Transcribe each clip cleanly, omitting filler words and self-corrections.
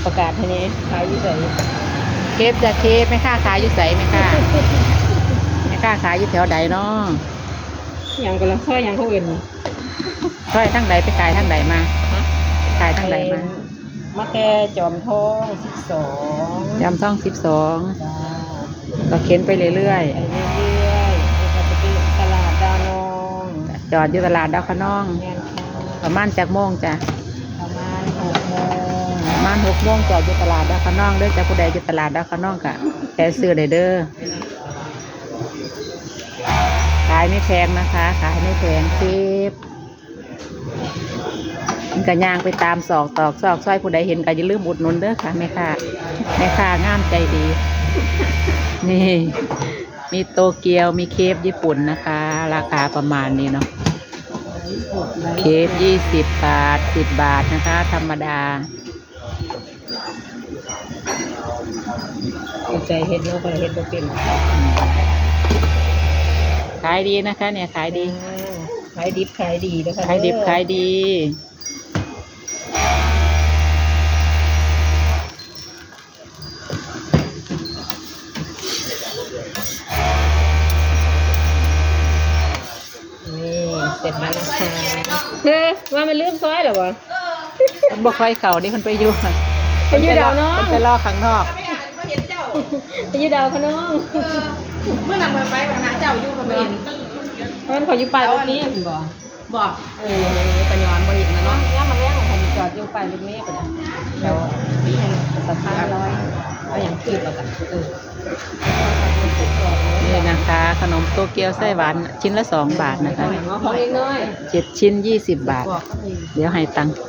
ประกาศทีนี้ขายอยู่ไหนเคฟจะเคฟไม่ค่าขายอยู่ใสไม่ค่าไม่ค่าขายอยู่แถวใดเนาะอย่างก็ละซอยอย่างเขาอื่นซอยทั้งใดไปขายทั้งใดมาขายทั้งใดมามาแก่จอมทอง12 จำท่องก็เข็นไปเรื่อยๆก็จะไปตลาดดานองจอดอยู่ตลาดดาวคะน้องประมาณจากโมงจ้ะประมาณ6 โมงประมาณ6 โมงจอดอยู่ตลาดดาวคะน้องเด้อจ้ะผู้ใดอยู่ตลาดดาวคะน้องกะแต่ซื้อได้เด้อขายไม่แพงนะคะขายไม่แพงคลิปกระย่างไปตามศอกตอกซอกซอยผู้ใดเห็นก็อย่าลืมอุดหนุนเด้อค่ะแม่ค้างามใจดีนี่มีโตเกียวมีเคฟญี่ปุ่นนะคะราคาประมาณนี้เนาะเคฟ20 บาท10 บาทนะคะธรรมดาใจเห็ดเนาะก็เห็ดบ่เป็นขายดีนะคะเนี่ยขายดีขายดิบขายดีนะคะขายดิบขายดีเสร็จแล้วนะคะว่ามันลืมซอยเหรอวะบ่ค่อยเข่าดิคนไปอยู่ดาวน้องไปล่อข้างนอกไปอยู่ดาวข้างนอกเมื่อหลังไปหาเจ้าอยู่กับเห็นมันขออยู่ปลายรถนี้บอกกระยอนบริษัทนะเนาะย่ามาแล้งผมจอดอยู่ปลายรถนี้ไปนะแล้วสะพานลอยเอาอย่างคืบแล้วกันนี่นะคะขนมโตเกียวไส้หวานชิ้นละ2 บาทนะคะของเล็กน้อย 7 ชิ้น20 บาทเดี๋ยวให้ตังค์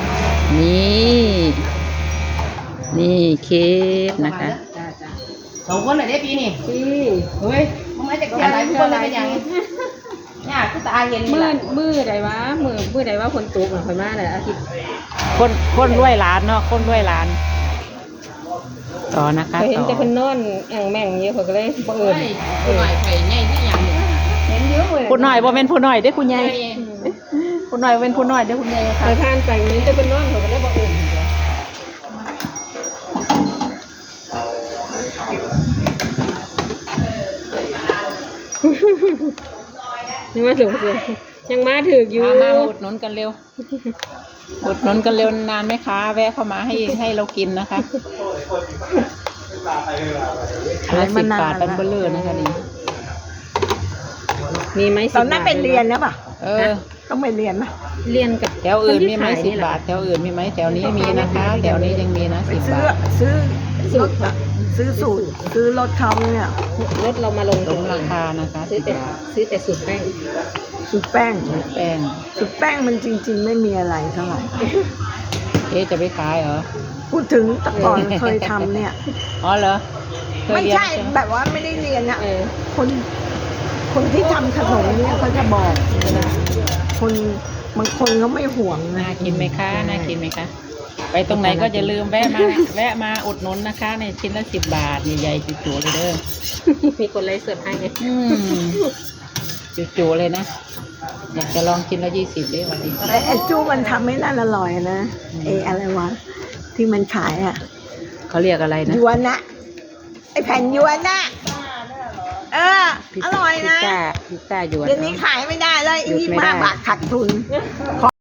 นี่เคฟนะคะ 2 คนเลยได้ปีนี่เฮ้ยมึงมาจากอะไรทุกคนเลยเป็นอย่างเนี่ยกูตาเห็นมือใดวะมือใดว่าคนตกหน่อยค่อยมาเลยอาทิตย์คนรวยร้านเนาะคนรวยร้านต่อนะคะเห็นแต่คนนอนแอ่งแม่งเยอะเขาก็เลยบ่เอิญผู้หน่อยไข่ใหญ่ที่อย่างเห็นเยอะเลยผู้หน่อยบ่เป็นผู้หน่อยเด้คุณยายผู้หน่อยเป็นผู้หน่อยเด้คุณยายค่ะไปทานไปนี้แต่คนนอนเขาก็เลยบ่เอิญยังมาถึงยังมาถึงอยู่มาอุดหนุนกันเร็วอุดหนุนกันเร็วนานไหมคะแวะเข้ามาให้เรากินนะคะ10 บาทเป็นเบลเลอร์นะคะนี่มีไหมตอนนั้นเป็นเรียนนะป่ะต้องไปเรียนนะเรียนกับแถวอื่นมีไหม10 บาทแถวอื่นมีไหมแถวนี้มีนะคะแถวนี้ยังมีนะ10 บาทซื้อสูตรซื้อรถเขาเนี่ยรถเรามาลงราคานะคะซื้อแต่สูตรแป้งสูตรแป้งมันจริงๆไม่มีอะไรเท่าไหร่จะไปขายเหรอพูดถึงแต่ก่อนเคยทำเนี่ยอ๋อเหรอไม่ใช่แบบว่าไม่ได้เรียนอะคนที่ทำขนมเนี่ยเขาจะบอกนะบางคนเขาไม่ห่วงน่ากินไหมคะน่ากินไหมคะไปตรงไหนก็อย่าลืมแวะมาอุดหนุนนะคะในชิ้นละ10 บาทใหญ่ๆจุ๋ๆเลยเด้อมีคนไลฟ์เสิร์ฟให้ไงจุ๋ๆเลยนะอยากจะลองชิ้นละ20ด้วยวันนี้ไอ้จู้มันทำไม่น่าอร่อยนะอะไรวะที่มันขายอ่ะเขาเรียกอะไรนะยวนนะไอ้แผ่นยวนนะอร่อยนะพิซซ่าหยวนเดี๋ยวนี้ขายไม่ได้เลย25 บาทขาดทุน